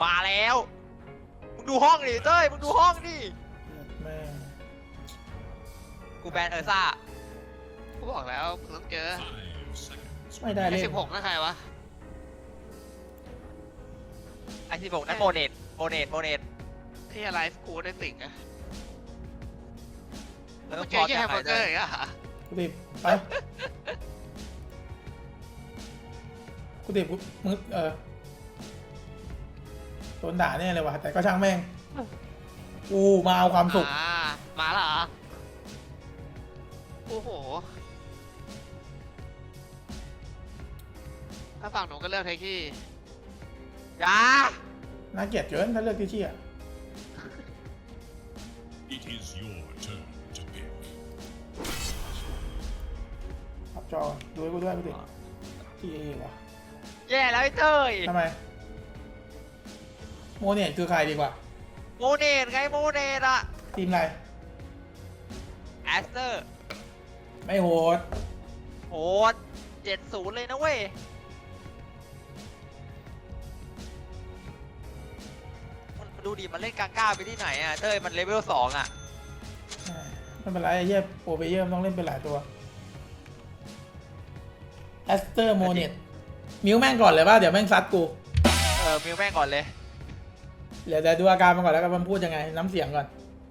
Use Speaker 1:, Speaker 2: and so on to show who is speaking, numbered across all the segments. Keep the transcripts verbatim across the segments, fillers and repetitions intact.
Speaker 1: มาแล้วมึงดูห้องดิเต้ยมึงดูห้องดิ
Speaker 2: แม่
Speaker 1: กูแบนเออร์ซ่า
Speaker 3: กูบอกแล้วมึงต้องเจอ
Speaker 2: ไม่ได้เล่น
Speaker 3: สิบหกนั่นใครวะ
Speaker 1: ไอสิบหกนั่นโมเนตโมเนตโมเนต
Speaker 3: ที่อะไรกูได้ติ่งอะ
Speaker 1: แล้ว
Speaker 3: มึงเจ
Speaker 1: พ
Speaker 3: อ
Speaker 1: อ
Speaker 3: แค่แฮมเบอร์เกอร์อีกอะ
Speaker 2: กูติดไปกูติดกูมึงเออโดนด่าเนี่ยเลยว่ะแต่ก็ช่างแม่งกูมาเอาความสุข
Speaker 3: อ่ามาแล้วเหรอโอ้โหถ้าฝั่งหนูก็เลือกเทคที่
Speaker 1: จ้า
Speaker 2: น่าเกลียดเกินถ้าเลือกที่เชี่ย
Speaker 4: It is your turn to pick.
Speaker 2: ขับจอดูให้กูด้วยกูติดที่เอว่ะ
Speaker 1: แย่แล้วไอ้เต้ย
Speaker 2: ทำไมโมเนี่ยคือใครดีกว่า
Speaker 1: โมเนตไงโมเนตอะ
Speaker 2: ทีมอะไร
Speaker 1: แอสเตอร์
Speaker 2: ไม่โหด
Speaker 1: โหดเจ็ดศูนย์เลยนะเว้ยมันดูดิมันเล่นกลางก้าไปที่ไหนอะเต้ยมันเลเวลสองอะ
Speaker 2: ไม่เป็นไรไอ้เหี้ยโปรเบเยอร์ต้องเล่นเป็นหลายตัวแอสเตอร์โมเนตมิวแม่งก่อนเลยป่ะเดี๋ยวแม่งซัดกู
Speaker 1: เออมิวแม่งก่อนเลย
Speaker 2: เดี๋ยวเดี๋ยวดูอาการมันก่อนแล้วกันมันพูดยังไงน้ำเสียงก่อน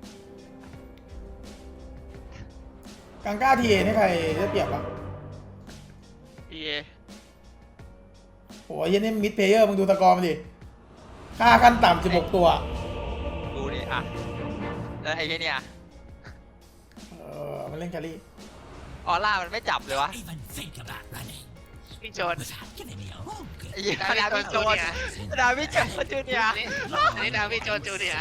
Speaker 2: กังก้าทีเอนี่ใครได้เปรียบอ่ะ
Speaker 3: เอ
Speaker 2: โหยันนี่มิดเพลเยอร์มึงดูตะกอมันดิค่าขั้นต่ำสิบหกตัว
Speaker 1: ดูดิอ่ะแล้วไอ้เนี่ย
Speaker 2: เออมันเล่นแครี่
Speaker 1: ออร่ามันไม่จับเลยวะ
Speaker 3: พี่โจน
Speaker 1: ไอ้ยี่ดาวิโจนดาวิโจนจูเนียร์
Speaker 3: อันนี้ดาวิโจนจูเนียร์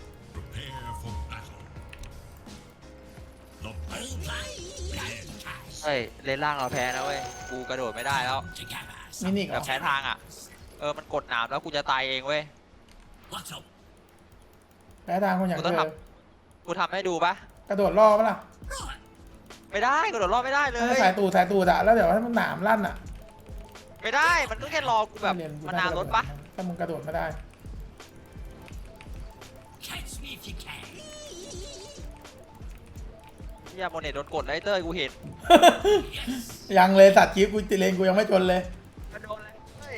Speaker 1: เฮ้ยเล่นล่างเราแพ้นะเว้ยกูกระโดดไม่ได้แล้ว
Speaker 2: มินิก
Speaker 1: แบบแพ้ทางอ่ะเออมันกดหนามแล้วกูจะตายเองเว้ย
Speaker 2: แพ้ทางคนอย่างเธอ
Speaker 1: กูทำให้ดูปะ
Speaker 2: กระโดดล่อปะล่ะ
Speaker 1: ไม่ได้กระโดดล่อไม่ได้เลย
Speaker 2: สายตูดสายตูดอะแล้วเดี๋ยวถ้ามันหนามลั่นอะ
Speaker 1: ไม่ได้มันก็แค่รอกูแบบมันนานรถปะ
Speaker 2: ถ้ามึงกระโดดไม่ได้
Speaker 1: ที่โมเนตโดนกดไลเตอร์กูเห็น
Speaker 2: ยังเลยสัตว์กิ๊บกูติเลงกูยังไม่จนเลย
Speaker 1: กระโดดเลย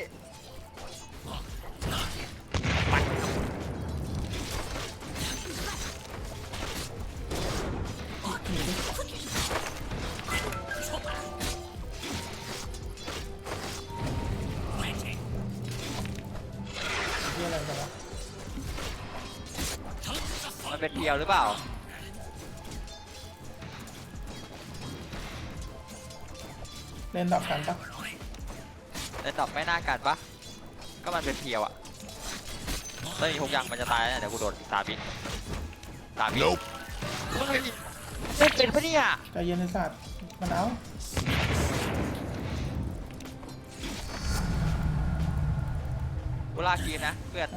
Speaker 1: มันเป็นเพียวหรือเปล่า
Speaker 2: เล่นดับกันปะ
Speaker 1: เล่นดับไม่น่ากันปะก็มันเป็นเพียวอะถ้ามีพวกยังมันจะตายแล้วเดี๋ยวกูโดนตาบินตาบินไม่เป็นปะเนี่ย
Speaker 2: ใจเย็นในสัตว์มันเอา
Speaker 1: กูลากกีนะเพื่อน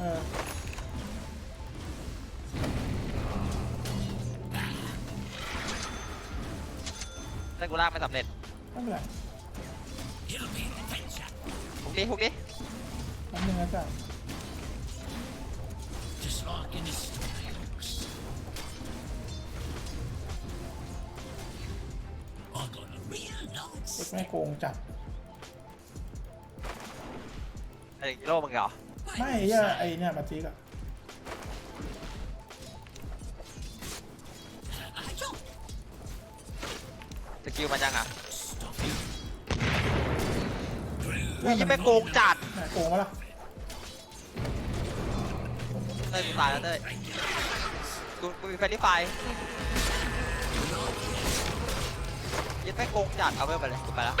Speaker 1: แต่กูลากไม่สำเร็จ
Speaker 2: ไม่เป็นไร
Speaker 1: พวกนี้พวกนี้
Speaker 2: ทำยังไงจ้ะเด็กไม่โกงจัด
Speaker 1: ไอ้โลมึงเหรอ
Speaker 2: ไม่ไอ้ไอ้เนี่ยมาจีกอะ
Speaker 1: สกิลมันยังอ่ะอุ้ยยังไม่โกงจัด
Speaker 2: โกงมาละ
Speaker 1: เต้ยกูตายแล้วเต้ยกูกูมีแฟนที่ไฟยังไม่โกงจัดเอาไปไปเลยกูไปแล้ว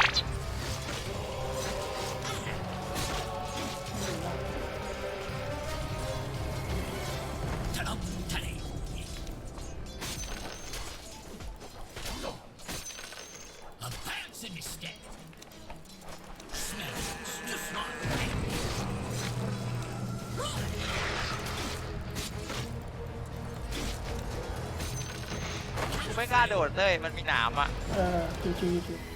Speaker 1: ไม่กล้าโดดเลยมันมีหนามอ่ะ
Speaker 2: เออชิวชิวชิว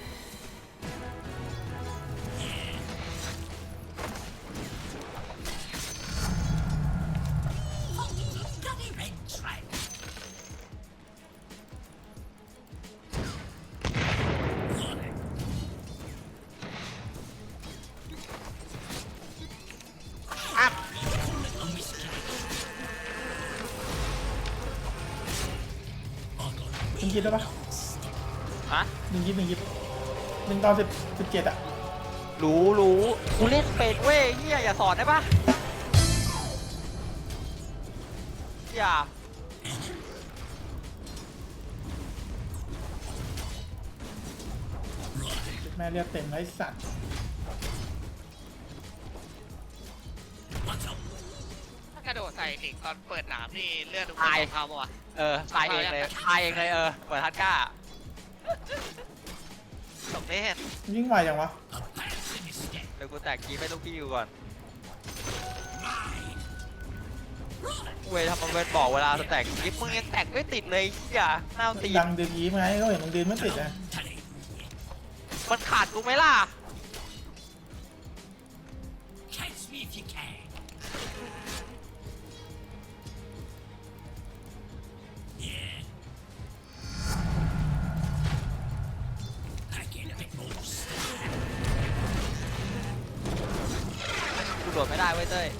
Speaker 2: หนึ่งยิบได้ปะ
Speaker 1: ฮะ
Speaker 2: หนึ่งยิบหนึ่งยิบหนึ่งตอนสิบสิบเจ็ดอะ
Speaker 1: รู้รู้กูเล่นเป็นเว้ยเฮียอย่าสอนได้ปะอย่า
Speaker 2: แม่เรียกเต็มไอ้สัตว์
Speaker 3: ถ้ากระโดดใส่หลิงตอนเปิดหนามนี่เลือดทุกคน
Speaker 1: ตาย
Speaker 3: เท่าปะวะ
Speaker 1: เออตายเองเลยตายเองเลยเออเหมือนทัดก้า
Speaker 3: สมเด็จ
Speaker 2: ยิ่งไวจังวะ
Speaker 1: เดี๋ยวกูแตกกีไปลูกพี่อยู่ก่อนเว้ยทำมันเป็นบอกเวลาสแต็กยิปมึงยังแตกไม่ติดเลยอย่าหน้าตี
Speaker 2: ดังดึงยี้ไหมเขาเห็นมึงดึงไม่ติดนะ
Speaker 1: มันขาดกูไหมล่ะ
Speaker 4: Catch me if you can. Yeah. I get a bit more.
Speaker 1: กูโดดไม่ได้เว้ยเต้ย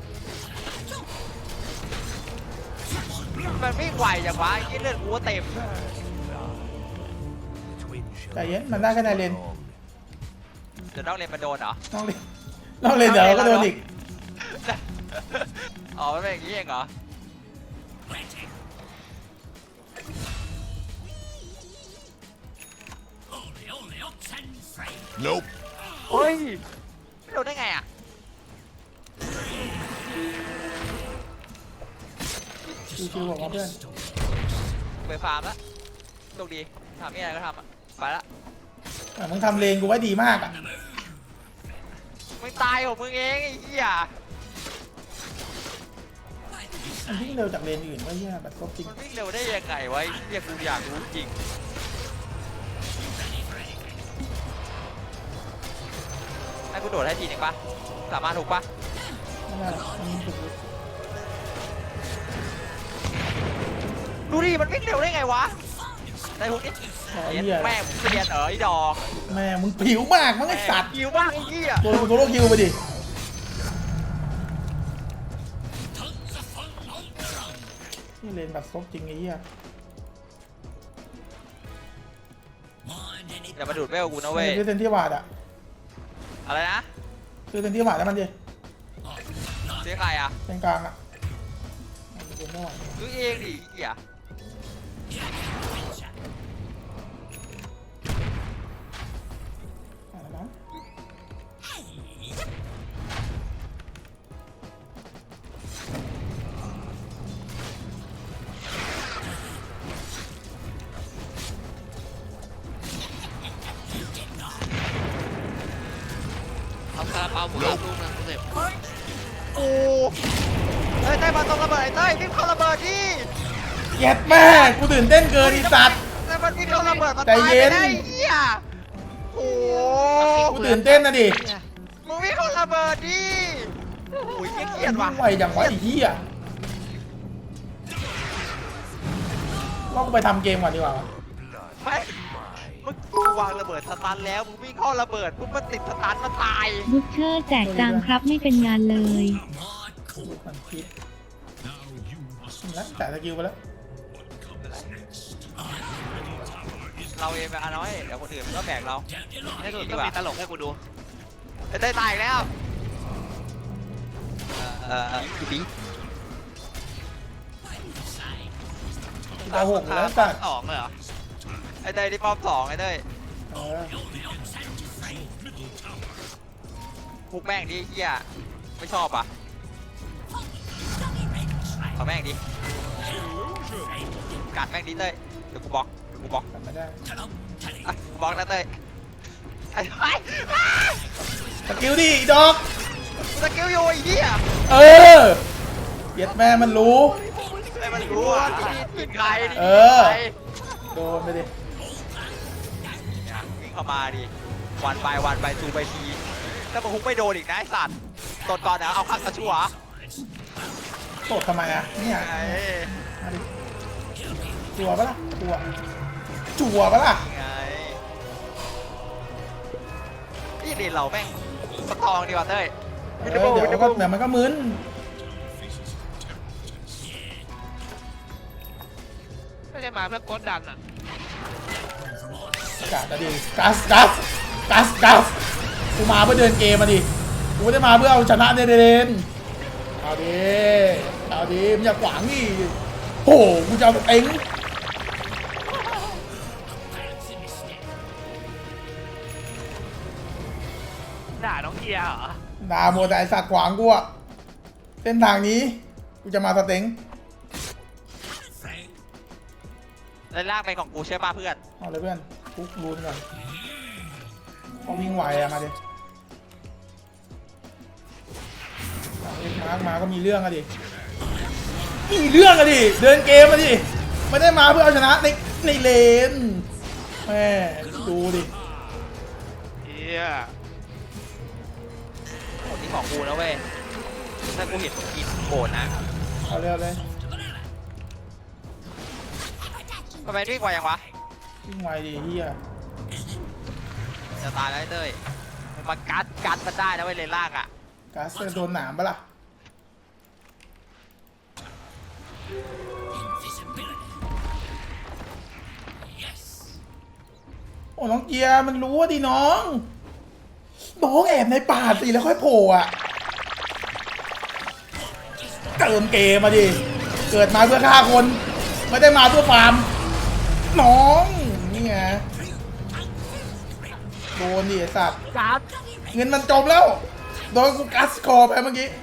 Speaker 1: มันไม่ไหวอย่างวะไอ้เลือดกูก็เต็ม
Speaker 2: ใจเย็นมันได้แค่ในเลน
Speaker 1: เดี๋ยวน้องเรียนมาโดนเหรอ
Speaker 2: น้องเลนน้องเลนเดี๋ยวก็โดนอีก
Speaker 1: อ๋อมันเป็นอย่างนี้เองเหรอ
Speaker 4: Only, only ox and free. Nope.
Speaker 1: เฮ้ยไม่โดนได้ไงอ่ะ
Speaker 2: ชิวๆบอกว่าเพื่อน
Speaker 1: ไปฟาร์มแล้วโชคดีทำนี่อะไรก็ทำอ่ะไปละ
Speaker 2: แต่มึงทำเลนกูไว้ดีมากอ่ะ
Speaker 1: มึงตายของมึงเองไอ้เหี้ย
Speaker 2: มันวิ่งเร็วจากเลนอื่นว่าเหี้ยแบบครบจริง
Speaker 1: มันวิ่งเร็วได้ยังไงวะไอ้เหี้ยกูอยากรู้จริงให้กูโดดให้ทีนึงปะสามารถถูกปะ
Speaker 2: ไม่ได้หรอกมันถูก
Speaker 1: ดูดิมันวิ่งเร็วได้ไงวะได้พวกนี้
Speaker 2: ขอ
Speaker 1: เรียน
Speaker 2: เหี้ย
Speaker 1: แม่มึงเรียนเอ๋อไอ้ดอก
Speaker 2: แม่มึงผิวมากมั้งไอ้สัตว์
Speaker 1: คิวบ้างไอ้เหี้ย
Speaker 2: ตัวกูโซโล่คิวไปดิ นี่เลนแบบครบจริงไอ้เหี้ย
Speaker 1: อย่ามาดูดเวลกูนะเว้ย
Speaker 2: ซื้อเซนที่วาดอะ
Speaker 1: อะไรนะ
Speaker 2: ซื้อเซนที่วาดแล้วมันดิ
Speaker 1: ซื้อใครอ่ะ
Speaker 2: เลนกลางอะเดี๋ยวไม่ไหว
Speaker 1: ซื้อเองดิไอ้เหี้ย
Speaker 2: อะไรนะ
Speaker 3: เอาคาราเปาหมูรับลูกนึงเสร็จ
Speaker 1: โอ้เฮ้ยเต้ยมาตรงระเบิดไอ้เต้ยวิ่งเข้าระเบิดดิ
Speaker 2: เย็ดแม่กูตื่นเต้นเกินไอ้สัตว์
Speaker 1: เต้ยมันวิ่งเข้าระเบิดมัน
Speaker 2: ใจ
Speaker 1: ตาย
Speaker 2: เย็
Speaker 1: ไป
Speaker 2: น
Speaker 1: ได้ไอ้เหี้ยโอ้
Speaker 2: กูตื่นเต้นนะดิ
Speaker 1: มึงวิ่งเข้าระเบิดดิโอ้ยเหี้ยเครียดว่ะ
Speaker 2: ไวจังวะไอ้เหี้ยว่ากูไปทำเกมก่อนดีกว่าวะ
Speaker 1: ไม่มึงกูวางระเบิดสตันแล้วมึงวิ่งเข้าระเบิดปุ๊บมันติดสตันมันตาย
Speaker 5: บุชเชอร์แจกตังครับไม่เป็นงานเลย
Speaker 2: ดูมันคิด
Speaker 4: Now you must
Speaker 2: แล้วจ่ายสกิลไปแล้ว
Speaker 4: what comes next.
Speaker 1: เราเองแบบน้อยเดี๋ยวคนอื่นมันก็แบกเรา
Speaker 3: ให้ดูก็มีตลกให้กูดู
Speaker 1: ไอ้เต้ยตายอีกแล้วเออเออพี่ปี
Speaker 2: ตาหกแล้วสัตว์
Speaker 3: สองเลยเหรอ
Speaker 1: ไอ้เต้ยที่ป้อมสองไอ้เต้ย
Speaker 2: เออ
Speaker 1: พุกแม่งดิเฮียไม่ชอบอ่ะเอาแม่งดิกัดแม่งดิเต้ยเดี๋ยวกูบล็อกเดี๋ยวกูบล็อก
Speaker 2: กลับไม่ได้
Speaker 1: อ่ะกูบล็อกนะเต้ยไอ้ไอ้
Speaker 2: สกิลดิอีดอก
Speaker 1: สกิลอยู่ไอ้เหี้ย
Speaker 2: เออเย็ดแม่มันรู้
Speaker 1: ไอ้มันรู้ว่าที่นี่ทีมใครดิ
Speaker 2: เออ
Speaker 1: ใคร
Speaker 2: โดนไปดิ
Speaker 1: วิ่งเข้ามาดิวันไปวันไปซูไปทีถ้ามึงฮุกไม่โดนอีกนะไอ้สัตว์ตดก่อนนะเอาข้างกระชั่ว
Speaker 2: ตดทำไมอ่ะเนี่ย
Speaker 1: ไอ้
Speaker 2: มาดิจั่วปะล่ะจั่วจั่วปะล่ะ
Speaker 1: ไงนี่เด่นเราแม่งสตองดีกว่าเต้ย
Speaker 2: เออเดี๋ยวมันก็เดี๋ยวมันก็มึน
Speaker 3: ไม่ได้มาเพื่อกดดันอ่ะ
Speaker 2: กัดอะดิกัสกัสกัสกัสกูมาเพื่อเดินเกมมาดิกูไม่ได้มาเพื่อเอาชนะเดนเดนเอาดิเอาดิมึงอย่าขวางดิโอ้โหกูจะเอาเอ็ง
Speaker 3: ด่าน้องเกียร์เหรอ
Speaker 2: ด่าโมแต่ไอสัตว์ขวางกูอะเส้นทางนี้กูจะมาสเต็ง
Speaker 1: แล้วลากไปของกูใช่ป่ะเพื่อน
Speaker 2: เอาเลยเพื่อนคุกรูนก่อนเขาวิ่งไหวอะมาดิเอาเอ็กมาร์กมาก็มีเรื่องอะดิมีเรื่องอะดิเดินเกมอะดิไม่ได้มาเพื่อเอาชนะในในเลนแม่ดูดิ
Speaker 3: เฮีย
Speaker 1: หมดที่ของกูแล้วเว้ยถ้ากูเห็นกินโกรธนะ
Speaker 2: เอาเร็วเลย
Speaker 1: ทำไมวิ่งไวยังวะ
Speaker 2: วิ่งไวดิเฮีย
Speaker 1: จะตายแล้วไอ้เต้ยมึงมากัดกัดมันได้นะเว้ยเลนล่างอ่ะ
Speaker 2: ก๊าซจะโดนหนามปะล่ะ โอ้น้องเกียร์มันรู้ว่าดิน้องน้องแอบในป่าสิแล้วค่อยโผล่อะเติมเกมมาดิ เกิดมาเพื่อฆ่าคน ไม่ได้มาเพื่อฟาร์ม น้อง นี่ไงโดนดิไอ้สัตว์
Speaker 3: กัด
Speaker 2: เงินมันจมแล้ว โดนกูกัสคอไปเมื่อกี้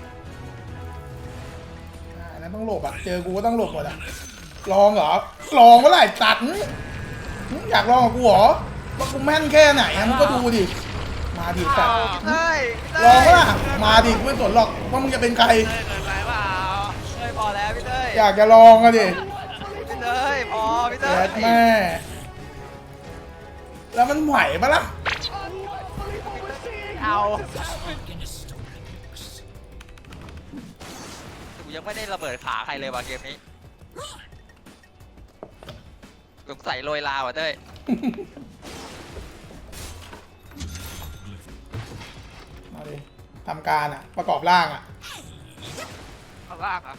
Speaker 2: อ่าอันนั้นต้องหลบอ่ะ เจอกูก็ต้องหลบหมดอ่ะ ลองเหรอ ลองเมื่อไหร่ตัดหึหึอยากลองกับกูเหรอว่ากูแม่นแค่ไหนอะมึงก็ดูดิ มาดิสัตว์
Speaker 1: เต้ย
Speaker 2: ลองปะล่ะมาดิกูไม่สนหรอกว่ามึงจะเป็นใคร
Speaker 3: เต้ยเกินไปเปล่า
Speaker 1: เต้ยพอแล้วพี่เต้ย
Speaker 2: อยากจะลองอะดิ
Speaker 1: พี่เต้ยพอพี่เต้
Speaker 2: แย่
Speaker 1: ย
Speaker 2: แม่ แล้วมันไหวปะล่ะ
Speaker 1: เอากูยังไม่ได้ระเบิดขาใครเลยว่ะเกมนี้สงสัยโรยลาว่ะเต้ย
Speaker 2: มาดิทำการอ่ะ ประกอบร่างอ่ะ
Speaker 3: ข้างล่างอ่ะ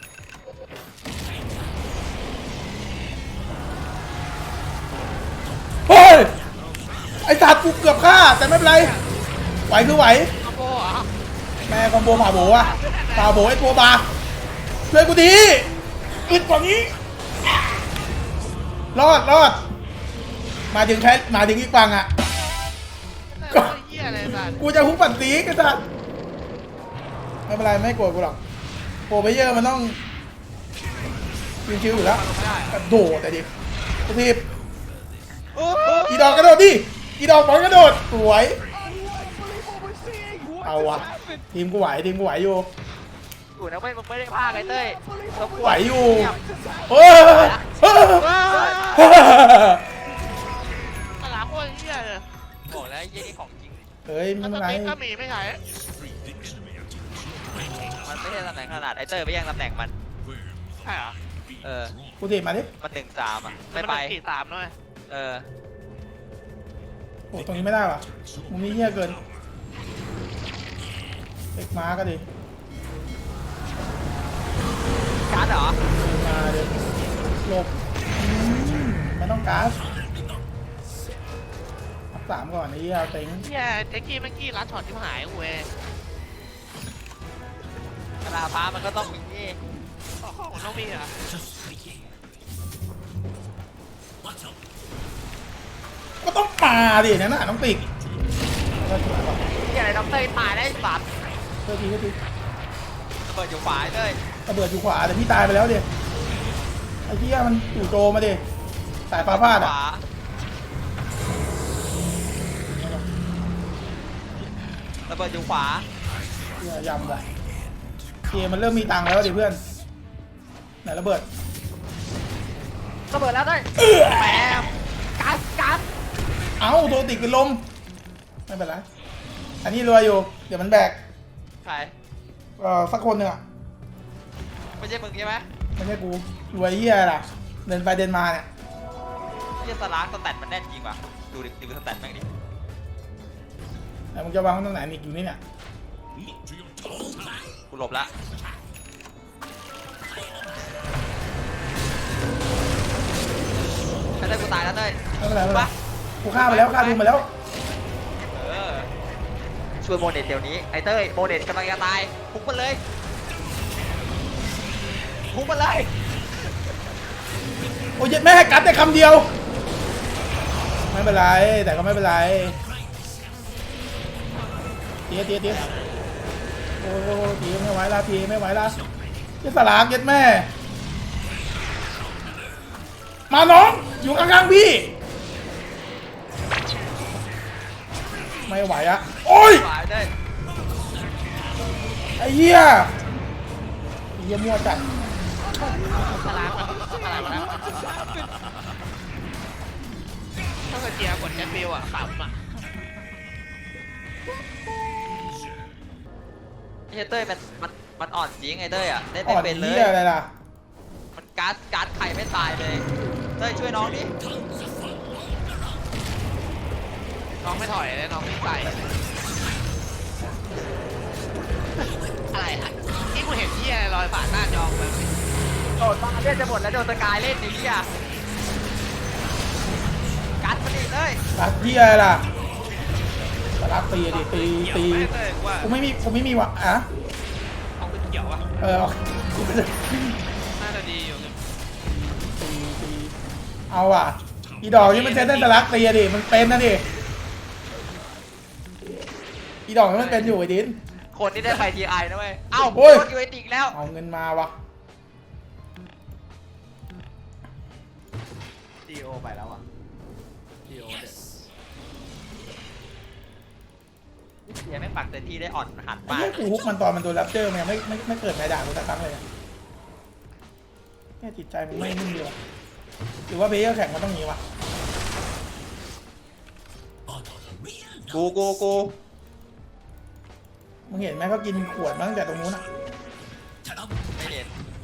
Speaker 2: เฮ้ย ไอ้สัตว์กูเกือบฆ่า แต่ไม่เป็นไร ไหวคือไหว
Speaker 3: คอมโบเหรอ
Speaker 2: แม่คอมโบผ่าโบอะผ่าโบไอ้ตัวบาช่วยกูดีอึดกว่านี้ รอดรอด มาถึงใช้มาถึงอีกฝั่งอ่ะ
Speaker 3: ก็ เฮียอะไรสัตว์
Speaker 2: กูจะฮุบปัดสีกันสัตว์ไม่เป็นไรไม่โกรธกูหรอกโปรไปเยอร์มันต้องชิวๆอยู่แล้ว
Speaker 3: ไม่ได้
Speaker 2: กระโดดแต่ดิกระทีบอีดอกกระโดดดิอีดอกบอลกระโดดสวยเอาวะทีมกูไหวทีมกูไหวอยู่
Speaker 1: อยู่นะไม่มึงไม่ได้พลาดไอ้เต้ยรบกน
Speaker 2: ไหวอยู่เออเออ
Speaker 3: ตลาดโคตรเฮียเลย
Speaker 1: บอกแล้วไอ้เหี้ยนี่ของจริง
Speaker 2: เฮ้ยไม่
Speaker 3: แล้ว
Speaker 2: เป็นไร
Speaker 3: สเปคก็มีไม่ใช่
Speaker 1: มันไม่ใช่ตำแหน่งขนาดไอ้เต้ยไปแย่งตำแหน่งมัน
Speaker 3: ใช่เหรอ
Speaker 1: เออ
Speaker 2: กูทีบมาดิ
Speaker 1: มันหนึ่งสามอ่ะไม่
Speaker 3: มัน
Speaker 1: ไป
Speaker 3: เป็นกี่สามด้วย
Speaker 1: เออ
Speaker 2: โอ้ตรงนี้ไม่ได้ว่ะมุมนี้เหี้ยเกินเล็กม้าก็ดิ
Speaker 1: การ์ดเหรอ
Speaker 2: มาเดี๋ยวหลบอืมไม่ต้องก๊าซอัพสามก่อนไอ้เหี้ยเต็ง
Speaker 3: เฮียแจ็คกี้เมื่อกี้รัดช็อตที่หายเว้ย
Speaker 1: กระดาษฟ้ามันก็ต้องมีนี่
Speaker 3: ของน้องมีเหรอ
Speaker 2: ก็ต้องมาดินั่นน่ะน้องปีกก็สวยว่ะ
Speaker 1: ที่อะไรด็อกเตอร์ตายได้สัตว์
Speaker 2: เท่าทีเท่าที
Speaker 1: ระเบิดอยู่ฝายเลย
Speaker 2: ระเบิดอยู่ขวาแต่พี่ตายไปแล้วดิไอ้เหี้ยมันจู่โจมมาดิสายฟ้าพลาด
Speaker 1: ข
Speaker 2: อ่ะ
Speaker 1: วาระเบิดอยู่ขวา
Speaker 2: เหี้ยยำว่ะเกมมันเริ่มมีตังค์แล้วดิเพื่อนไหนระเบิด
Speaker 1: ระเบิดแล้วเต้ยแหมกัดกัด
Speaker 2: เอ้าโดนติดเป็นลมไม่เป็นไรอันนี้รวยอยู่เดี๋ยวมันแบก
Speaker 1: ใคร
Speaker 2: เอ่อสักคนหนึ่งอ่ะ
Speaker 1: ไม่ใช่มึงใช่ไหม
Speaker 2: ไม่ใช่กูรวยเหี้ยล่ะเดินไปเดินมาเนี่ย
Speaker 1: เฮียสลากสแตทมันแน่นจริงว่ะดูดิดูสแตทแม่งดิ
Speaker 2: แต่มึงจะวางตรงไหนมีอยู่นี่เนี่ย
Speaker 1: กูหลบละไอ้เต้ยกูตายแล้วเต้ย
Speaker 2: ไม่เป็นไรไม่เป็นไร
Speaker 1: ปะ
Speaker 2: กูฆ่าไปแล้วฆ่าดูมาแล้ว
Speaker 1: เออช่วยโมเดตเดี๋ยวนี้ไอ้เต้ยโมเดตกำลังจะตายพุ่งมันเลยพุ่งมันเลย
Speaker 2: โอ้ยแม่ให้กัดได้คำเดียวไม่เป็นไรแต่ก็ไม่เป็นไรเตี้ยเตี้ยเตี้ยโอ้โหตีไม่ไหวละตีไม่ไหวละจะสลากเย็ดแม่มาน้องอยู่ข้างๆพี่ไม่ไหวอะโอ้ย
Speaker 1: หวายเต้ย
Speaker 2: ไอ้เหี้ยไอ้เหี้ยมั่วจัด
Speaker 3: สลามสลามนะถ้าเกิดเจียกดแคปฟิวอ่ะขำอ่ะ
Speaker 1: ไอ้เต้ยมันมันมันอ่อนจริงไอ้เต้ยอ่ะเล่น
Speaker 2: อ่
Speaker 1: ไม่
Speaker 2: อน
Speaker 1: เป็นเล
Speaker 2: เหี้
Speaker 1: ย
Speaker 2: ยอะไรล่ะ
Speaker 1: มันการ์ดการ์ดไข่ไม่ตายเลยเต้ยช่วยน้องดิ
Speaker 3: น้องไม่ถอยเลยน้องไม่ใส่อะไรอ่ะที่กูเห็นที่อะไรลอยผ่านหน้าจอไป
Speaker 1: โดดมาเล่นจะหมดแล้วโดนสกายเล่นนี่อ่ะการ์ดมันดีเลย
Speaker 2: รักเหี้ยอะไรล่ะสลักตีดิตีตี
Speaker 3: ไม่เลยว่า
Speaker 2: กูไม่มีกูไม่มีวะอะ
Speaker 3: เอาเป็นเกี่ยวอ่ะ
Speaker 2: เออกูไม่ได้
Speaker 3: น่าจะดีอยู่
Speaker 2: ตีตีเอาอ่ะอีดอกนี่มันใช้ได้สลักตีอะดิมันเป็นนะดิอีดอกนี่มันเป็นอยู่ไอ้ดิน
Speaker 1: คนที่ได้ไฟทีไอนะเว้ยเอ้า
Speaker 2: โอ้ย
Speaker 1: โดนยูเอติกแล้ว
Speaker 2: เอาเงินมาวะ
Speaker 1: ดีโอไปแล้วอ่ะดีโอเสียไม่ปักเต็มที่ได้อ่อนหัน
Speaker 2: ไอ้
Speaker 1: มาก
Speaker 2: เหี้ยกูฮุกมันตอนมันโดนแรปเตอร์มันยังไม่ไม่ไม่เกิดใครด่ากูสักครั้งเลยอะเนี่ยจิตใจมึงไม่นิ่งดีวะหรือว่าเพลเยอร์แข่งมันต้องมีวะ
Speaker 1: กูกูกู
Speaker 2: มึงเห็นไหมเขากินขวดมาตั้งแต่ตรงนู้นอ่ะ
Speaker 1: ไม่เห็น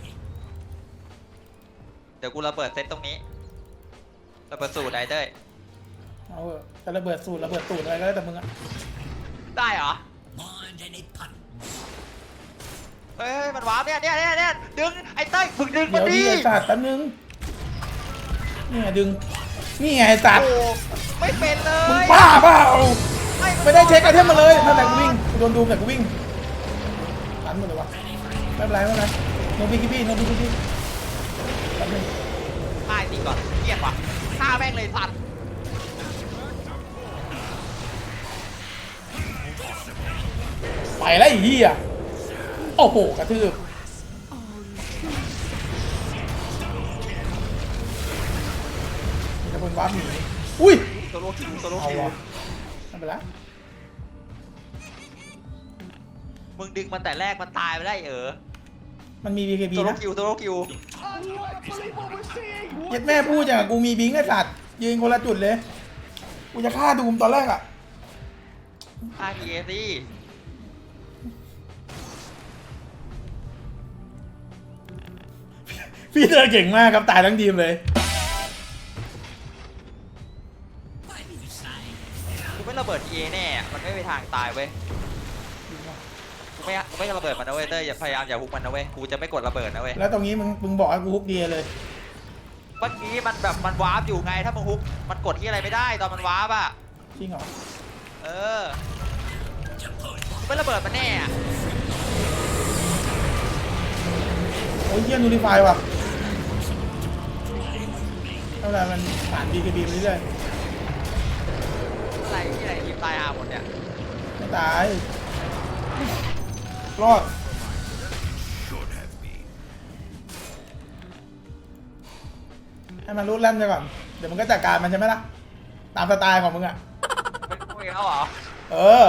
Speaker 1: เดี๋ยวกูระเบิดเซตตรงนี้ระเบิดสูตรไอเต้ย
Speaker 2: เอาเถอะแต่ระเบิดสูตรระเบิดตูดอะไรก็แล้วแต่มึงอ่ะ
Speaker 1: ได้เหรอ
Speaker 4: Mind any pun.
Speaker 1: เฮ้ยมันว้าวเนี่ยเนี่ยเนี่ยเนี่ยดึงไอ้เต้ยฝึกดึง
Speaker 2: เดี๋
Speaker 1: มา
Speaker 2: ยว
Speaker 1: ดิ
Speaker 2: ดีไอ้สัตว์แป๊บนึงนี่ไงดึงนี่ไงไอ้สัตว์
Speaker 1: โอ้ไม่เป็นเล
Speaker 2: มึง
Speaker 1: ย
Speaker 2: บ้าเปล่า
Speaker 1: น
Speaker 2: ไม่ได้เช็คไอเทมมาเลยนั่นแหละกูวิ่งกูโดนดูมแต่กูวิ่งรันหมดเลยวะไม่เป็นไรไม่เป็นไรโนบิกิบี้โนบิกิบี้แป๊บนึง
Speaker 1: ตายสิก่อนเกลียดว่ะฆ่าแม่งเลยสัตว์
Speaker 2: ไปแล้วไอ้เหี้ยโอ้โหกระทืบมีแต่คนว้าหนีอุ้ย
Speaker 1: โซโลคิวโซโล
Speaker 2: เอา
Speaker 1: คิว
Speaker 2: วะไม่เป็นไร
Speaker 1: มึงดึงมันแต่แรกมันตายไปได้เออ
Speaker 2: มันมี บี เค บี
Speaker 1: โซโล
Speaker 2: นะ
Speaker 1: คิวโซโลคิว
Speaker 2: เย็ดแม่พูดอย่างกับกูมีบิงไอ้สัตว์ยืนคนละจุดเลยกูจะฆ่าดูมตอนแรกอ่ะ
Speaker 1: ฆ่าทีเอซี่
Speaker 2: พี่เธอเก่งมากครับตายทั้งทีมเลย
Speaker 4: Why do you say?
Speaker 1: กูไม่ระเบิดทีเอแน่มันไม่มีทางตายเว้ยกูไม่กูไม่ระเบิดมันนะเว้ยเต้ยอย่าพยายามอย่าฮุกมันนะเว้ยกูจะไม่กดระเบิดนะเว้ย
Speaker 2: แล้วตรงนี้มึงมึงบอกให้กูฮุกเดียเลย
Speaker 1: เมื่อกี้มันแบบมันวาร์ปอยู่ไงถ้ามึงฮุกมันกดที่อะไรไม่ได้ตอนมันวาร์ปอ่ะ
Speaker 2: จริงเหรอ
Speaker 1: เออกูไม่ระเบิดมันแน่อะ
Speaker 2: โอ้ยเยี่ยนูริฟายว่ะเท่าไหร่มันผ่าน บี เค บี ไปเรื่อย
Speaker 1: อะไรที่ไหนทีมตายอาหมดเนี่ย
Speaker 2: ๆไม่ตาย รอด ให้มันรู้แล่มไปก่อน เดี๋ยวมันก็จัดการมันใช่ไหมล่ะ ตามสไตล์ของมึงอ่ะ
Speaker 1: ไม่คุยแล้วเหรอ
Speaker 2: เออ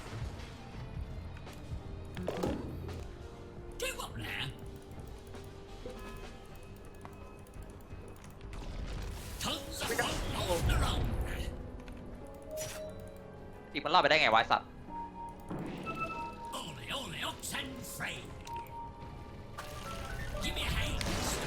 Speaker 4: Give up there. Tons of fun all around.
Speaker 1: อีกมันรอดไปได้ไงวะไอ้สัตว์
Speaker 4: Ole, ole, ox and free. Give me a hand.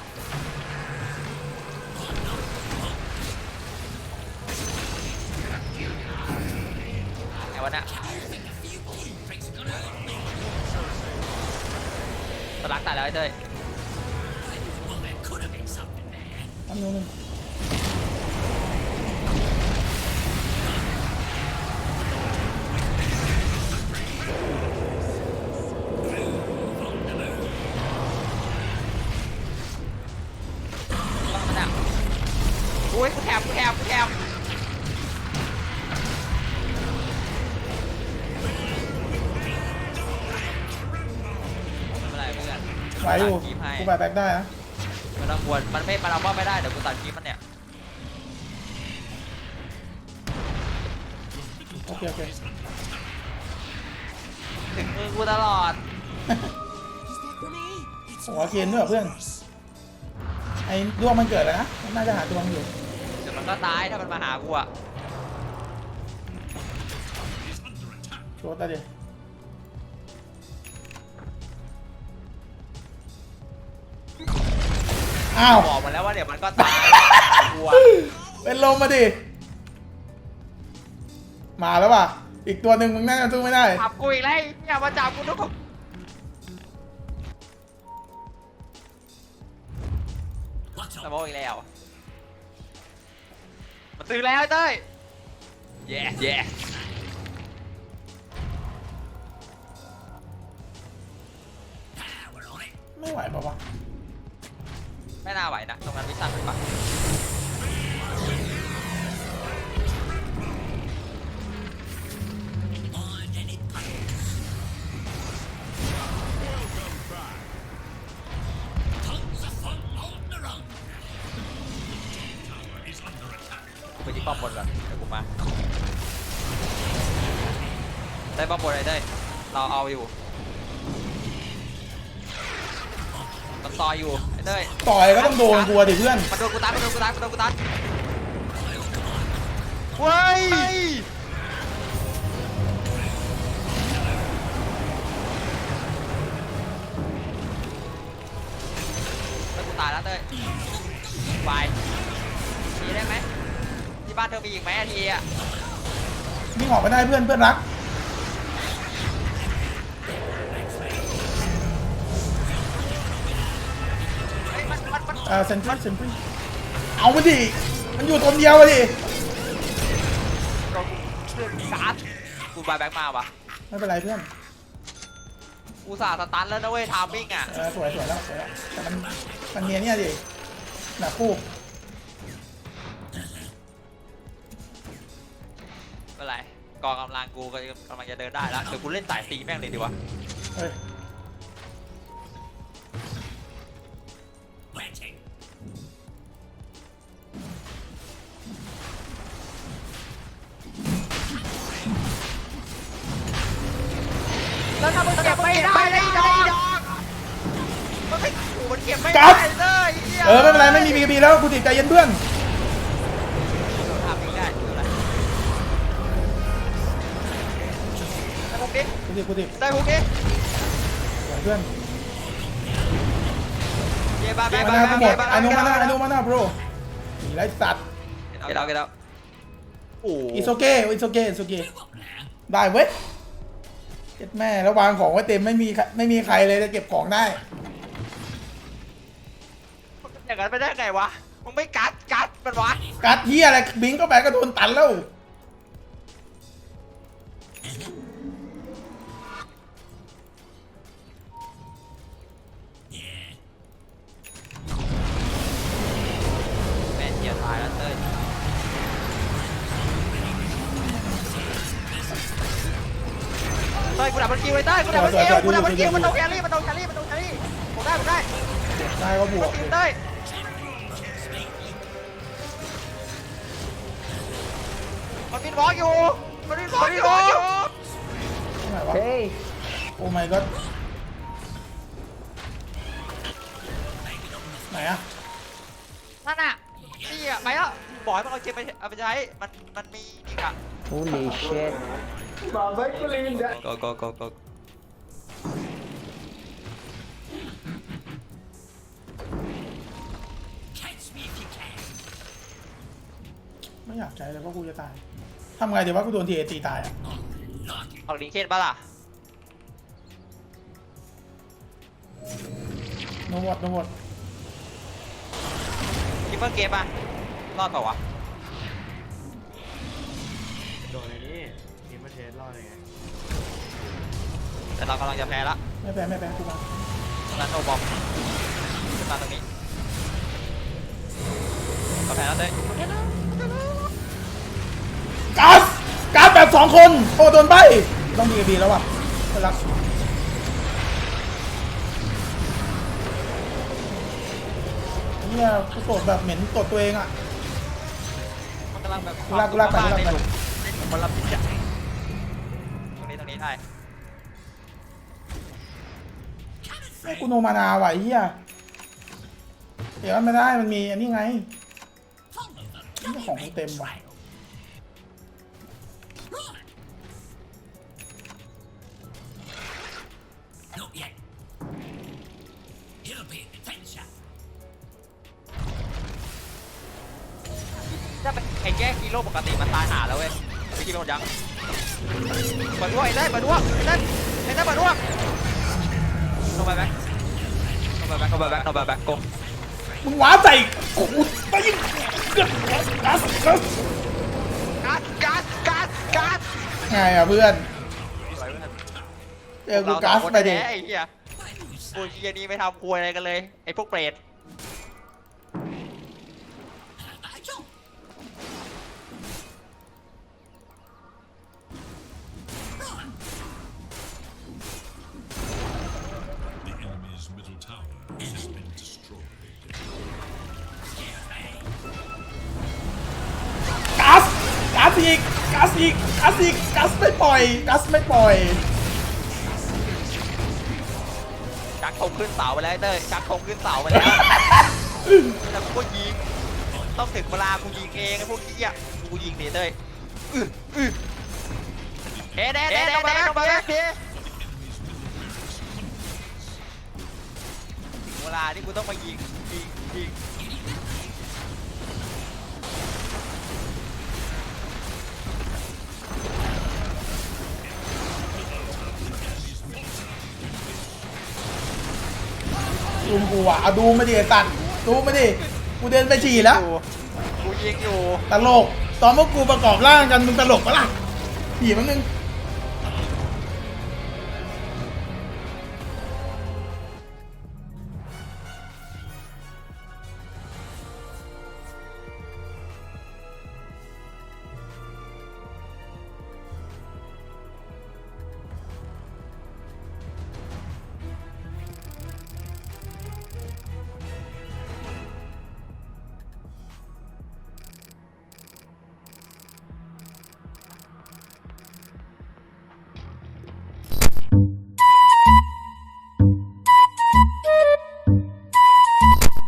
Speaker 1: ไงวะเนี่ย
Speaker 4: Tricks gonna hurt me.
Speaker 1: สลักตายแล้วไอ้เต้ย
Speaker 4: Well, there could have been something there.
Speaker 2: ทำนู้นง
Speaker 1: อุ้ยกูแถบกูแถบกูแถบไม่เป็นไรเพื่อน
Speaker 2: ไหวอยู่
Speaker 1: ตัดคลิปให้
Speaker 2: กูไปแบ็คได้นะ
Speaker 1: มันต้องควรมันไม่มันเอาว่าไม่ได้เดี๋ยวกูตัดคลิปมันเนี่ย
Speaker 2: โอเคโอเค
Speaker 1: ถึงมือกูตลอด
Speaker 2: หัวเคนด้วยเหรอเพื่อนไอ้ดวงมันเกิดแล้วนะมันน่าจะหาดวงอยู่
Speaker 1: เดี๋ยวมันก็ตายถ้ามันมาหากูอะ
Speaker 2: โชว์ตาดิอ้าว
Speaker 1: บอกมันแล้วว่าเดี๋ยวมันก็ตายกูอะ
Speaker 2: เป็นลมมาดิมาแล้วป่ะอีกตัวหนึ่งมึงน่าจะสู้ไม่ได้
Speaker 1: จับกูอีกแล้วอย่ามาจับกูทุกคน
Speaker 4: What's
Speaker 1: ส
Speaker 4: up?
Speaker 1: มองอีกแล้วมันตื่นแล้วไอ้เต้ย yes yes
Speaker 4: Power on it.
Speaker 2: ไม่ไหวป่ะวะ
Speaker 1: ไม่น่าไหวนะตรงนั้นวิสันเป็นปะ
Speaker 4: Mind any puddles. Tons of fun on the run. Tower is under attack.
Speaker 1: ไปที่ป้อมบนก่อนเดี๋ยวกูมาได้ป้อมบนไอ้เต้ยเราเอาอยู่มันต่อยอยู่ไอ้เต้ย
Speaker 2: ต่อยก็ต้องโดนกลัวดิเพื่อน
Speaker 1: มันโดนกูตันมันโดนกูตันมันโดนกูตันเว้ยแล้วกูตายแล้วเต้ยไปทีได้ไหมที่บ้านเธอมีอีกไหมอาทีอ่ะ
Speaker 2: วิ่งออกไปได้เพื่อนเพื่อนรัก
Speaker 1: เฮ้ยมันมันมัน
Speaker 2: เอ่อเซนทรัลเซนทรัลเอามาดิมันอยู่ตัวเดียวอะดิ
Speaker 1: โดนกูเลือดการ์ดกูบายแบ็กมาวะ
Speaker 2: ไม่เป็นไรเพื่อน
Speaker 1: กูสาสตันแล้วนะเว้ยทามมิ่งอ่ะ
Speaker 2: เออสวยสวยแล้วสวยแล้วแต่มันมันเนียเนี่ยดิหนักคู่
Speaker 1: ไม่เป็นไรกองกำลังกูก็กำลังจะเดินได้แล้วเดี๋ยวกูเล่นสายตีแม่งเลยดีวะ
Speaker 2: เฮ้ย
Speaker 4: Waiting.
Speaker 1: แล้วถ้ามึงเก็บไม่ได้เลยดอกมันไม่กูมันเก็บไม่ได้เลยเหี้ย
Speaker 2: เออไม่เป็นไรไม่มีบีบีแล้วกูติดใจเย็นเพื่อน
Speaker 1: ทำไม่ได้คืออะไรได้พวกนี้
Speaker 2: กูติดกูติด
Speaker 1: ได้พวกนี้
Speaker 2: สวยเพื่อน
Speaker 1: เย้บ้า
Speaker 2: มา
Speaker 1: บ้า
Speaker 2: หน้า
Speaker 1: บ้า
Speaker 2: กูหมด
Speaker 1: บ้า
Speaker 2: อนุมาหน้าอนุมาหน้าโปรไรสัตว์
Speaker 1: เกล้าเกล้าโอ้
Speaker 2: อิโซเกะอิโซเกะอิโซเกะ
Speaker 4: Do up now.
Speaker 2: ได้เว้ยเจ็ดแม่แล้ววางของไว้เต็มไม่มีใครไม่มีใครเลยจะเก็บของได้
Speaker 1: อย่างนั้นไปได้ไงวะมึงไม่กัดกัดมันวะ
Speaker 2: กัดเฮียอะไรบิงก็ไปก็โดนตันแล้ว
Speaker 4: Yeah.
Speaker 1: แม่เจียตายแล้วเต้ยเต้ยกูดับมันคิวไว้เต้ยกูดับมันคิวกูดับมันคิวมันโดนแครี่มันโดนแครี่มันโดนแครี่ผมได้ผมได้
Speaker 2: ได้ก็บวก
Speaker 1: ทีมเต้ยมันบินวอล์กอยู่มันบินวอล์กอยู่
Speaker 2: ที่ไหนวะโอ้ my god ไหนอะ
Speaker 1: นั่นน่ะนี่อ่ะไปแล้วบอกให้มันเอาเจมไปเอาไปใช้มันมันมีนี่กะ
Speaker 6: Holy shit.
Speaker 1: go go go go
Speaker 2: ไม่อยากใช้เลยเพราะกูจะตายทำไงเดี๋ยวว่ากูโดนทีเอตีตายอะ
Speaker 1: ออกลิงเคนปะล่ะ
Speaker 2: โนวอดโนวอด
Speaker 1: คิปเปอร์เกมป่ะรอดเปล่าวะ
Speaker 7: โดนไอ้นี่ทีมประเทศรอดยังไง
Speaker 1: แต่เรากำลังจะแพ้ละ
Speaker 2: ไม่แพ้ไม่แพ้กูมา
Speaker 1: นั้นโนบอมขึ้นมาตรงนี้ก็แพ้แล้วเต้ย
Speaker 2: ก๊าซก๊าซแบบสองคนโอ้โดนใบต้องดีบีแล้วว่ะไปรักเนี่ยกูตดแบบเหม็นตดตัวเองอ่ะ
Speaker 1: มันกำลังแบบ
Speaker 2: กูลากกูลากไปกูลากไป
Speaker 1: มันรับผิดชอบตรงนี้ตรงนี้ได้
Speaker 2: ไอ้กูโนมานาว่ะไอ้เหี้ยเดี๋ยวไม่ได้มันมีอันนี้ไง
Speaker 4: Follow the
Speaker 2: นี่ของเต็มว่ะ
Speaker 4: Not yet. You'll be attention.
Speaker 1: ถ้าเป็นไอ้แยกฮีโร่ปกติมันตายหาแล้วเว้ยวิธีเป็นหมดยังเปิดด้วยไอ้เต้ยเปิดด้วยไอ้เต้ยไอ้เต้ยเปิดด้วยลงไปแบ็คลงไปแบ็คลงไปแบ็คลงไปแบ็คกง
Speaker 2: มึงว้าใจกูไปยิงก๊าซก๊าซก๊าซ
Speaker 1: กัดกัดกัดกัด
Speaker 2: ไงอ่ะเพื่อนเจอกูก๊าซไปดิ
Speaker 1: ไอ้เหี้ยกูเหี้ยนี่ไม่ทำควยอะไรกันเลยไอ้พวกเปรต
Speaker 6: The enemy's middle tower has been destroyed.
Speaker 2: ก๊าซก๊าซอีกก๊าซอีกก๊าซอีกก๊าซไม่ปล่อยก๊าซไม่ปล่อย
Speaker 1: ชักธงขึ้นเสาไปแล้วไอ้เต้ยชักธงขึ้นเสาไปแล้วแล้วกูก็ยิงต้องถึงเวลากูยิงเองไอ้พวกเหี้ยกูยิงดิเต้ยอื้ออื้อเอ๊ะเอ๊ะเอ๊ะลงไปลงไปลงไปเวลาที่กูต้องมายิงยิงยิง
Speaker 2: ลุงกูอ่ะเอาดูมาดิไอ้ตันดูมาดิกูเดินไปฉี่แล้ว
Speaker 1: กูยิงอยู่
Speaker 2: ตลกตอนพวกกูประกอบร่างกันมึงตลกปะล่ะฉี่มันนึง